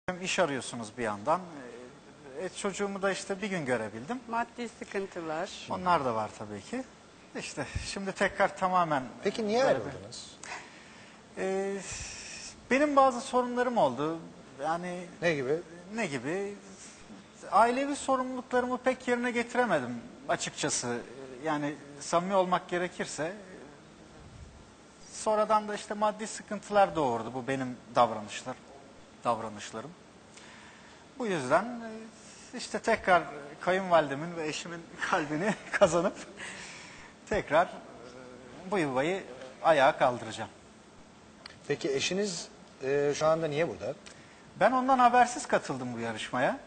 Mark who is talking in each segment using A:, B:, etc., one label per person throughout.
A: Hem iş arıyorsunuz bir yandan. Çocuğumu da işte bir gün görebildim.
B: Maddi sıkıntılar.
A: Onlar da var tabii ki. İşte şimdi tekrar tamamen...
C: Peki niye ayrıldınız?
A: Benim bazı sorunlarım oldu. Yani
C: Ne gibi?
A: ne gibi? Ailevi sorumluluklarımı pek yerine getiremedim açıkçası. Yani samimi olmak gerekirse. Sonradan da işte maddi sıkıntılar doğurdu bu benim davranışlarım. Bu yüzden işte tekrar kayınvalidemin ve eşimin kalbini kazanıp tekrar bu yuvayı ayağa kaldıracağım.
C: Peki eşiniz şu anda niye burada?
A: Ben ondan habersiz katıldım bu yarışmaya.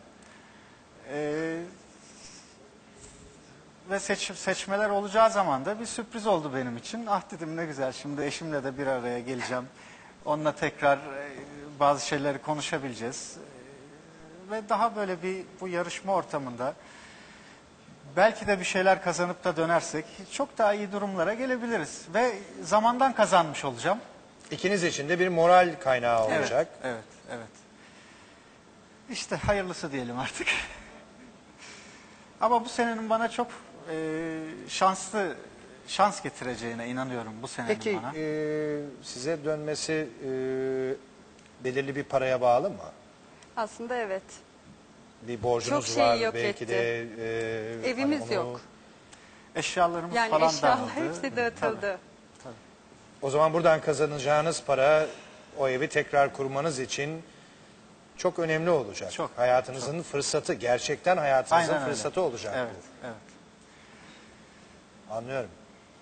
A: Ve seçmeler olacağı zaman da bir sürpriz oldu benim için. Ah dedim ne güzel, şimdi eşimle de bir araya geleceğim. Onunla tekrar bazı şeyleri konuşabileceğiz. Ve daha böyle bu yarışma ortamında belki de bir şeyler kazanıp da dönersek çok daha iyi durumlara gelebiliriz. Ve zamandan kazanmış olacağım.
C: İkiniz için de bir moral kaynağı olacak.
A: Evet. İşte hayırlısı diyelim artık. Ama bu senenin bana çok şans getireceğine inanıyorum bu senenin
C: Peki
A: bana.
C: size dönmesi belirli bir paraya bağlı mı?
B: Aslında evet.
C: Bir borcunuz
B: Çok şey
C: var
B: yok
C: belki
B: etti.
C: de.
B: Evimiz
C: hani
B: yok.
A: Eşyalarımız
B: Yani
A: falan
B: eşyalar
A: dağıldı.
B: hepsi dağıtıldı.
A: Tabii.
C: O zaman buradan kazanacağınız para o evi tekrar kurmanız için çok önemli olacak.
A: Çok,
C: hayatınızın fırsatı, gerçekten hayatınızın
A: Aynen öyle.
C: fırsatı olacak
A: Evet,
C: bu.
A: evet.
C: Anlıyorum.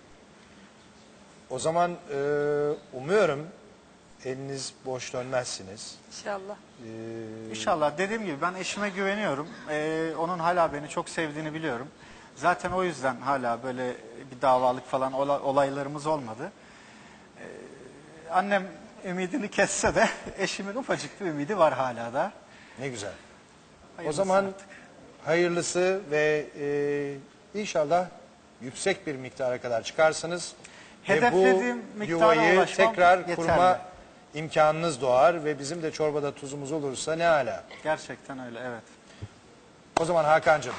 C: O zaman umuyorum eliniz boş dönmezsiniz.
B: İnşallah.
A: İnşallah, dediğim gibi ben eşime güveniyorum. Onun hala beni çok sevdiğini biliyorum. Zaten o yüzden hala böyle bir davalık falan olaylarımız olmadı. Annem ümidini kesse de eşimin ufacık bir ümidi var hala da.
C: Ne güzel. O
A: Hayırlısı
C: zaman
A: artık.
C: hayırlısı ve inşallah yüksek bir miktara kadar çıkarsınız.
A: Hedeflediğim
C: ve bu
A: miktara
C: yuvayı
A: ulaşmam
C: tekrar
A: yeterli.
C: kurma imkanınız doğar ve bizim de çorbada tuzumuz olursa ne âlâ.
A: Gerçekten öyle, evet.
C: O zaman Hakan'cığım.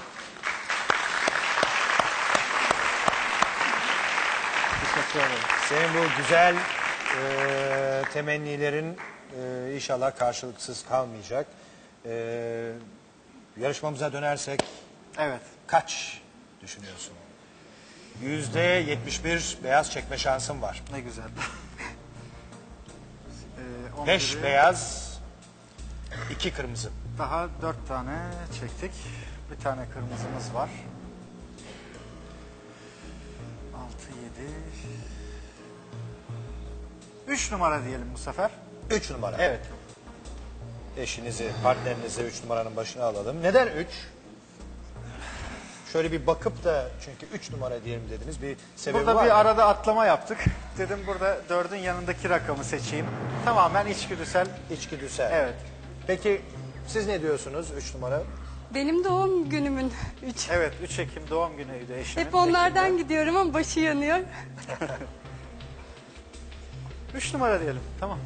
A: Teşekkür ederim.
C: Senin bu güzel temennilerin inşallah karşılıksız kalmayacak. Yarışmamıza dönersek
A: Evet.
C: kaç düşünüyorsun? %71 beyaz çekme şansın var.
A: Ne güzel.
C: 5
A: 11'i
C: beyaz, 2 kırmızı.
A: Daha 4 tane çektik. Bir tane kırmızımız var. 6, 7... 3 numara diyelim bu sefer.
C: 3 numara.
A: Evet.
C: Eşinizi, partnerinizi 3 numaranın başına alalım. Neden 3? Şöyle bir bakıp da çünkü 3 numara diyelim dediniz, bir sebebi
A: Burada
C: var
A: bir
C: mı?
A: arada atlama yaptık. Dedim burada 4'ün yanındaki rakamı seçeyim. Tamamen içgüdüsel.
C: İçgüdüsel.
A: Evet.
C: Peki siz ne diyorsunuz 3 numara?
B: Benim doğum günümün 3.
A: Evet, 3 Ekim doğum günüydü eşimin.
B: Hep onlardan
A: Ekim'de.
B: gidiyorum ama başı yanıyor.
A: 3 numara diyelim. Tamam.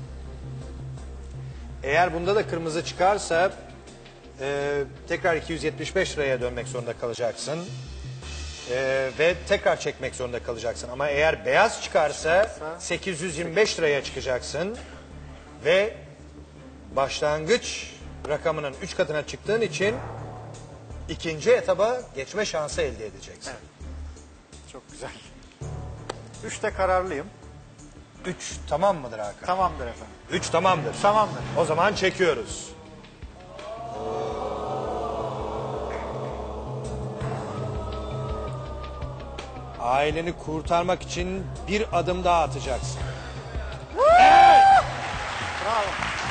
C: Eğer bunda da kırmızı çıkarsa tekrar 275 liraya dönmek zorunda kalacaksın. Ve tekrar çekmek zorunda kalacaksın. Ama eğer beyaz çıkarsa 825 liraya çıkacaksın. Ve başlangıç rakamının 3 katına çıktığın için ikinci etaba geçme şansı elde edeceksin.
A: Evet. Çok güzel. 3'te kararlıyım.
C: 3 tamam mıdır Hakan?
A: Tamamdır efendim.
C: 3 tamamdır.
A: Tamamdır.
C: O zaman çekiyoruz. Aileni kurtarmak için bir adım daha atacaksın.
A: Bravo.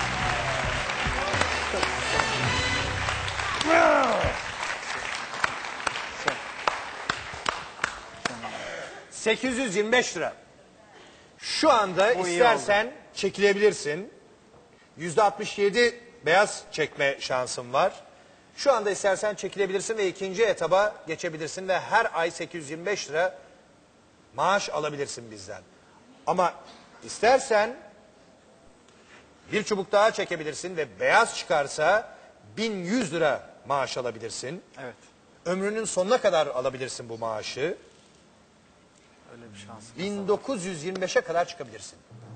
C: 825 lira. Şu anda
A: Bu iyi
C: istersen çekilebilirsin. %67 beyaz çekme şansın var. Şu anda istersen çekilebilirsin ve ikinci etaba geçebilirsin ve her ay 825 lira maaş alabilirsin bizden. Ama istersen Bir çubuk daha çekebilirsin ve beyaz çıkarsa 1100 lira maaş alabilirsin.
A: Evet.
C: Ömrünün sonuna kadar alabilirsin bu maaşı.
A: Öyle bir şansım.
C: 1925'e kadar çıkabilirsin.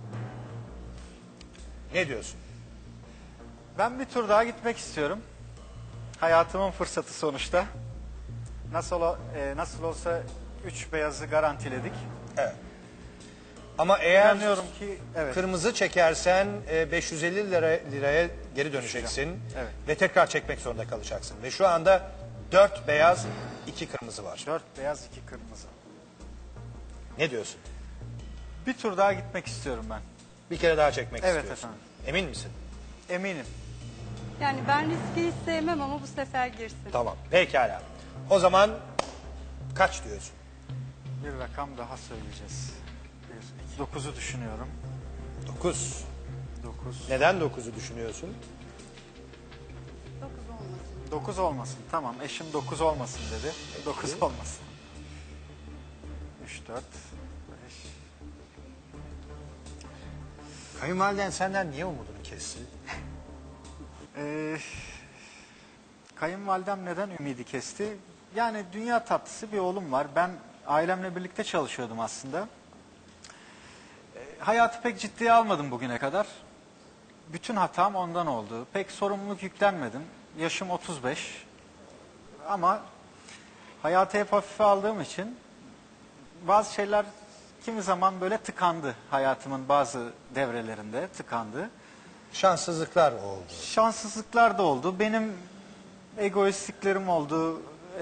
C: Ne diyorsun?
A: Ben bir tur daha gitmek istiyorum. Hayatımın fırsatı sonuçta. Nasıl olsa 3 beyazı garantiledik.
C: Evet. Ama eğer
A: İnanıyorum ki evet.
C: kırmızı çekersen 550 liraya geri döneceksin.
A: Evet.
C: Ve tekrar çekmek zorunda kalacaksın. Ve şu anda 4 beyaz 2 kırmızı var.
A: 4 beyaz 2 kırmızı.
C: Ne diyorsun?
A: Bir tur daha gitmek istiyorum ben.
C: Bir kere daha çekmek
A: Evet
C: istiyorsun.
A: efendim.
C: Emin misin?
A: Eminim.
B: Yani ben riski hiç sevmem ama bu sefer girsin.
C: Tamam. Pekala. O zaman kaç diyorsun?
A: Bir rakam daha söyleyeceğiz. 9'u düşünüyorum.
C: 9.
A: 9.
C: Neden 9'u düşünüyorsun?
B: 9 olmasın.
A: 9 olmasın. Tamam. Eşim 9 olmasın dedi. 9 olmasın. 3, 4, 5.
C: Kayınvaliden senden niye umudunu kesti?
A: Kayınvalidem neden ümidi kesti? Yani dünya tatlısı bir oğlum var. Ben ailemle birlikte çalışıyordum aslında. Hayatı pek ciddiye almadım bugüne kadar. Bütün hatam ondan oldu. Pek sorumluluk yüklenmedim. Yaşım 35. Ama hayatı hep hafife aldığım için bazı şeyler kimi zaman böyle tıkandı. Hayatımın bazı devrelerinde tıkandı.
C: Şanssızlıklar oldu.
A: Şanssızlıklar da oldu. Benim egoistliklerim oldu.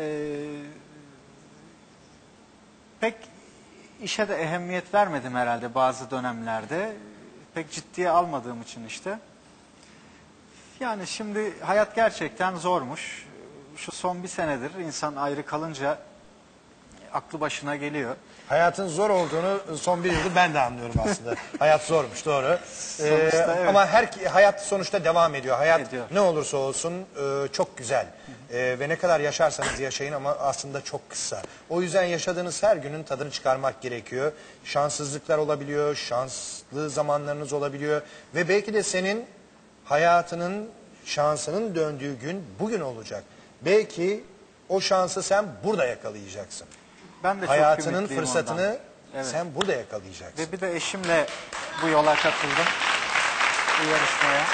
A: Pek işe de ehemmiyet vermedim herhalde bazı dönemlerde. Pek ciddiye almadığım için işte. Yani şimdi hayat gerçekten zormuş. Şu son bir senedir insan ayrı kalınca aklı başına geliyor.
C: Hayatın zor olduğunu son bir yıldır ben de anlıyorum aslında. Hayat zormuş, doğru.
A: Sonuçta evet.
C: Ama hayat sonuçta devam ediyor. Hayat
A: Ediyor.
C: ne olursa olsun çok güzel. Ve ne kadar yaşarsanız yaşayın ama aslında çok kısa. O yüzden yaşadığınız her günün tadını çıkarmak gerekiyor. Şanssızlıklar olabiliyor, şanslı zamanlarınız olabiliyor. Ve belki de senin hayatının, şansının döndüğü gün bugün olacak. Belki o şansı sen burada yakalayacaksın.
A: Ben de çok
C: Hayatının
A: ümitliyim
C: fırsatını
A: ondan. Evet.
C: sen burada yakalayacaksın.
A: Ve bir de eşimle bu yola katıldım. Bu yarışmaya.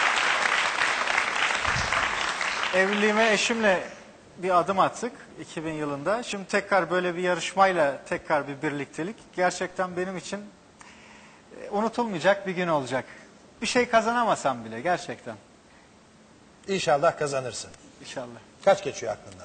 A: Evliliğime eşimle bir adım attık 2000 yılında. Şimdi tekrar böyle bir yarışmayla tekrar bir birliktelik. Gerçekten benim için unutulmayacak bir gün olacak. Bir şey kazanamasam bile gerçekten.
C: İnşallah kazanırsın.
A: İnşallah.
C: Kaç geçiyor aklından?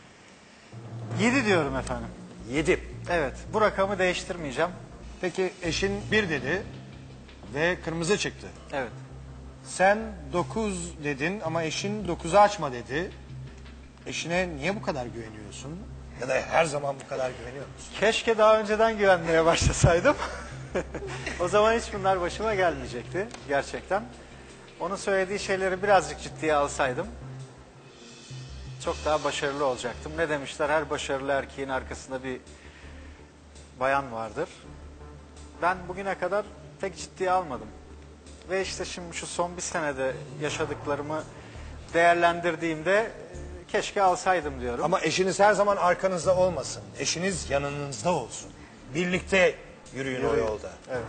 A: 7 diyorum efendim.
C: 7.
A: Evet, bu rakamı değiştirmeyeceğim.
C: Peki eşin 1 dedi ve kırmızı çıktı.
A: Evet.
C: Sen 9 dedin ama eşin 9'u açma dedi. Eşine niye bu kadar güveniyorsun? Ya da her zaman bu kadar güveniyor musun?
A: Keşke daha önceden güvenmeye başlasaydım. O zaman hiç bunlar başıma gelmeyecekti gerçekten. Onun söylediği şeyleri birazcık ciddiye alsaydım çok daha başarılı olacaktım. Ne demişler? Her başarılı erkeğin arkasında bir bayan vardır. Ben bugüne kadar pek ciddiye almadım. Ve işte şimdi şu son bir senede yaşadıklarımı değerlendirdiğimde keşke alsaydım diyorum.
C: Ama eşiniz her zaman arkanızda olmasın. Eşiniz yanınızda olsun. Birlikte yürüyün o yolda.
A: Evet.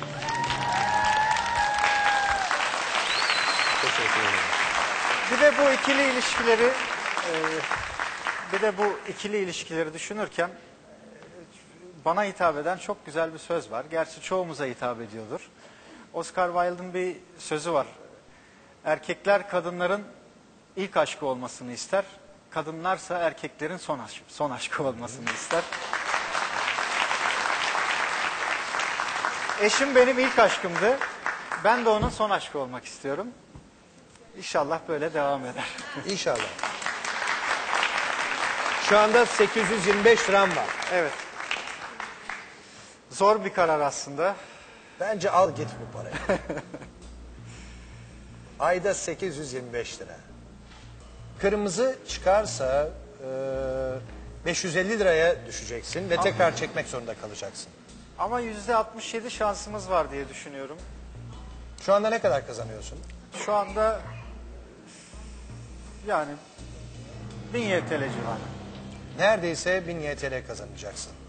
C: Teşekkür ederim.
A: Bir de bu ikili ilişkileri düşünürken bana hitap eden çok güzel bir söz var. Gerçi çoğumuza hitap ediyordur. Oscar Wilde'ın bir sözü var. Erkekler kadınların ilk aşkı olmasını ister. Kadınlarsa erkeklerin son aşkı olmasını ister. Eşim benim ilk aşkımdı. Ben de onun son aşkı olmak istiyorum. İnşallah böyle devam eder.
C: İnşallah. Şu anda 825 liram var.
A: Evet. Zor bir karar aslında.
C: Bence al git bu parayı. Ayda 825 lira. Kırmızı çıkarsa 550 liraya düşeceksin ve tekrar çekmek zorunda kalacaksın.
A: Ama %67 şansımız var diye düşünüyorum.
C: Şu anda ne kadar kazanıyorsun?
A: Şu anda yani 1000 YTL civarı.
C: Neredeyse 1000 YTL kazanacaksın.